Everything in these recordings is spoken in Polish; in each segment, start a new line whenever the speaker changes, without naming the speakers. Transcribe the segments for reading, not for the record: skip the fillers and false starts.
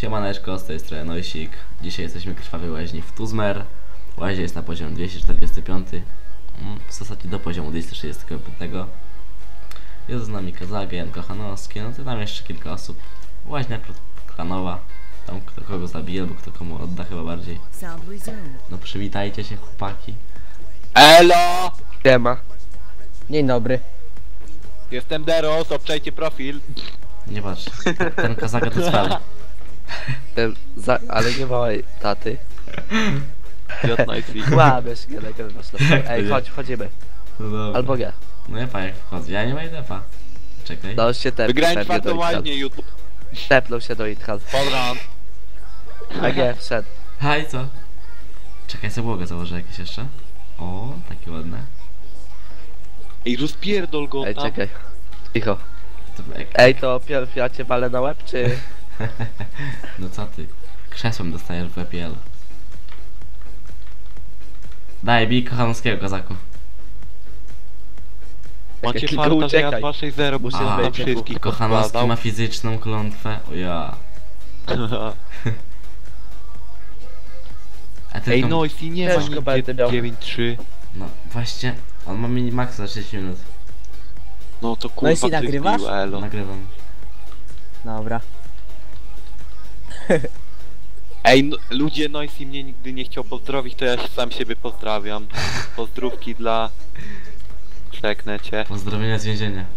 Siemaneczko, z tej strony Noisik. Dzisiaj jesteśmy w krwawej łaźni w Tuzmer. Łaźnia jest na poziomie 245. W zasadzie do poziomu 265. Jest z nami Kazage, Jan Kochanowski, no to tam jeszcze kilka osób. Łaźnia klanowa. Tam kto kogo zabije, albo kto komu odda chyba bardziej. No przywitajcie się, chłopaki.
Elo!
Siema.
Dzień dobry.
Jestem Deros, obczajcie profil.
Nie patrz, ten Kazage to cwel.
Ale nie małej taty. Kłamiesz, nie nagrywasz na pewno. Ej, chodź, wchodzimy.
No dobra.
Albo nie.
No ja pa, jak wchodzę, ja nie ma defa. Czekaj.
No się tepnął
Wygrałem
pewnie do
czwartą
Ithan.
łaźnię YouTube.
Tepnął się do Ithan.
Podrąd.
A nie, wszedł.
Haj, co? Czekaj, sobie błogę założę jakieś jeszcze. O, takie ładne.
Ej, rozpierdol go
Ej,
tam.
czekaj. Cicho.
To,
Ej, to pierw ja cię walę na łeb, czy...
No co ty? Krzesłem dostajesz w EPL. Daj, bij Kochanowskiego, Kazaku.
Macie
Tylko
farta, że ja
uciekaj.
2-6-0
Musisz
muszę na
wejść,
wszystkich
Kochanowski ma fizyczną klątwę. O ja. A
Ej,
tylko...
Noisy nie ma
Ciężko będę
nigdzie
miał.
9-3.
No właśnie, on ma minimax za 6 minut.
No to kurwa
Noisy,
ktoś
nagrywasz?
bił, elo.
Nagrywam.
Dobra.
Ej, no, ludzie, Noisy mnie nigdy nie chciał pozdrowić, to ja sam siebie pozdrawiam. Pozdrówki dla... Czeknę cię.
Pozdrowienia z więzienia.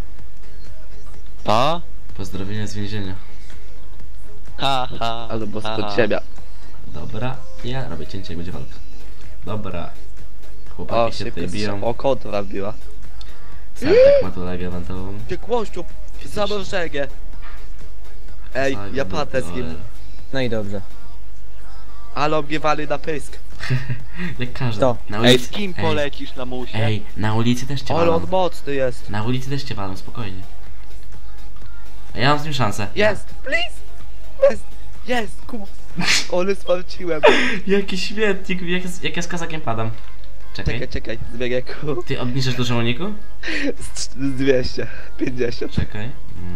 Ta?
Pozdrowienia z więzienia.
Ha, ha.
Albo
ha,
spod
ha.
ciebie.
Dobra, ja robię cięcie, jak będzie walka. Dobra.
O,
Chłopaki się
szybko
tutaj biją.
O, kontra wbiła.
Sertek ma tu legę eventową.
Ty kłościu, zamrożenie. Ej,
Zaga,
ja patę z nim.
dole.
No i dobrze.
Ale mnie wali na pysk.
Jak każdy.
To.
Na
Ej,
ulicy...
z kim polecisz na musie?
Ej, na ulicy też cię
Ale on
walą.
mocny jest.
Na ulicy też cię walą, spokojnie. A ja mam z nim szansę.
Jest, please. Jest, jest, Ale sparciłem.
Jaki świetnik, jak ja z Kazakiem padam. Czekaj.
Czekaj, zmienię ku.
Ty obniżasz dużo uniku?
Z 250.
Czekaj.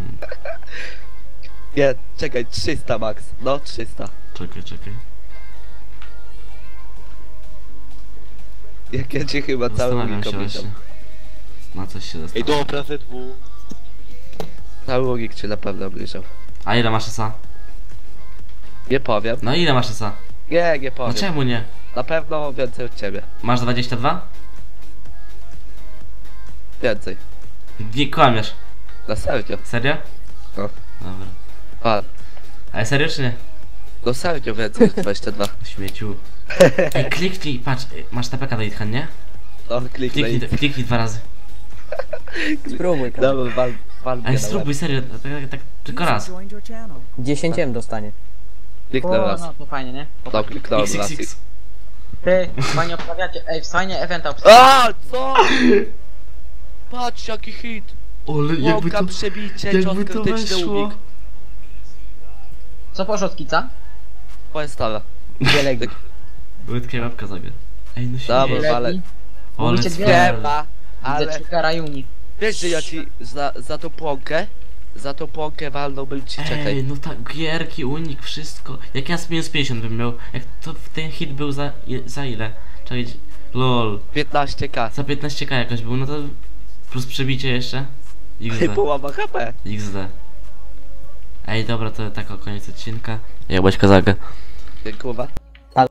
Nie, czekaj, 300 max. No, 300.
Czekaj.
Jak ja cię chyba cały
Zastanawiam
unik
się
obliczam.
właśnie. Na coś się
Ej,
zastanawiam.
dobra, ZW.
Cały unik cię na pewno obliczam.
A ile masz esa?
Nie powiem.
No ile masz esa?
Nie
No
powiem.
czemu nie?
Na pewno więcej od ciebie.
Masz 22?
Więcej.
Nie kłamiesz.
Na serio.
Serio?
No.
Dobra.
A,
Ale serio czy nie?
no serio więcej niż 22.
Śmieciu. Ej, kliknij, patrz, masz TPK do Ithan, nie?
No, kliknij.
Kliknij 2 razy.
Spróbuj.
Dobra, wal mnie
Ale
na
spróbuj,
łeb.
serio, tak tylko raz.
10 M dostanie.
Kliknę raz.
No to fajnie, nie?
No, kliknąłem raz.
XXX.
Ty, fajnie obstawiacie, ej, fajnie eventa
A, co? Patrz jaki hit.
Ole, jakby to...
Łąka, przebicie, cios
Jakby to
krytyczny
weszło.
unik.
Co poszło od kica?
Moja stara.
Wiele
Łydka i łapka zagra. Ej, no
Dobra,
śmiej.
ale...
Ole,
Mówicie dwie.
spell.
Siema,
Ale...
ale...
Trigera Uni.
Wiesz, że ja ci za tą płonkę walnąłbym ci,
Ej,
czekaj.
no tak, gierki, unik, wszystko. Jak ja z minus 50 bym miał, jak to ten hit był za ile? Czekaj, lol.
15k.
Za 15k jakoś był, no to plus przebicie jeszcze. XD.
Połowa HP.
XD. Ej, dobra, to tak o koniec odcinka. Jak byłeś Kazagę.
Dziękuję.